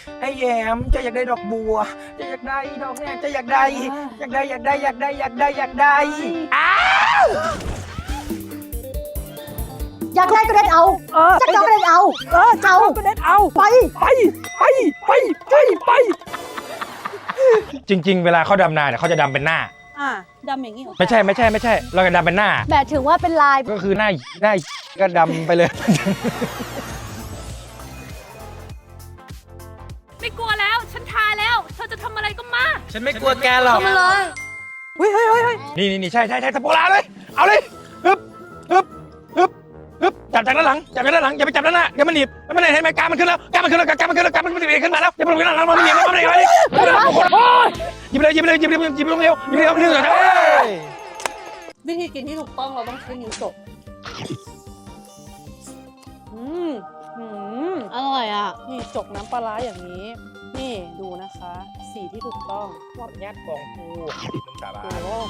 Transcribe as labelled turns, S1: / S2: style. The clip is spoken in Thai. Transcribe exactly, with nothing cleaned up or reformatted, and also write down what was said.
S1: ไอ้แยมจะอยากได้ดอกบัวจะอยากได้ดอกเนี่ยจะอยากได้อยากได้อยากได้อยากได้อยากได้อยากได้อ้าว
S2: อยากได้ก็เด็ดเอา
S3: เออ
S2: จะเอาก็เด็ดเอา
S3: เออจะเอาก็เด็ดเอา
S2: ไป
S3: ไปไปไปไปไป
S1: จริง ๆ เวลาเขาดำนาเนี่ยเขาจะดำเป็นหน้า
S3: อ่าดำอย่างนี้เหรอ
S1: ไม่ใช่ไม่ใช่ไม่ใช่ เราจะดำเป็นหน้า
S2: แบบถึงว่าเป็นลาย
S1: ก็คือหน้าหน้าก็ดำไปเลย
S4: ไม่กลัวแล้ว ฉันทาแล้ว เธอจะทำอะไรก็มา
S1: ฉันไม่กลัวแกหรอก
S4: มาเลย
S3: เฮ้ยเฮ้ยเฮ้ยเฮ้ย
S1: นี่นี่นี่ใช่ใช่ใช่สปอลาเลย เอาเลยฮึบฮึบฮึบฮึบจับจากด้านหลังจับจากด้านหลังอย่าไปจับด้านหน้าเดี๋ยวมันหนีบมันไม่ได้เห็นไหมกามันขึ้นแล้วกามันขึ้นแล้วกามันขึ้นแล้วกามันขึ้นแล้วขึ้นมาแล้วอย่าไปลงด้านหลังมันหนีบมันหนีบมันหนีบหยิบเลยหยิบเลยหยิบเลยหยิบลงเร็วหยิบเร็วหนึ่งสองสาม
S3: วิธีกินที่ถูกต้องเราต้องใช้นิ้วจกอืมอืม
S2: อร่อยอ่ะ
S3: นี่จกน้ำปลาร้าอย่างนี้ นี่ดูนะคะ สีที่ถูกต้อง
S1: ยัดกองกูน้ำตาบา
S3: โอ้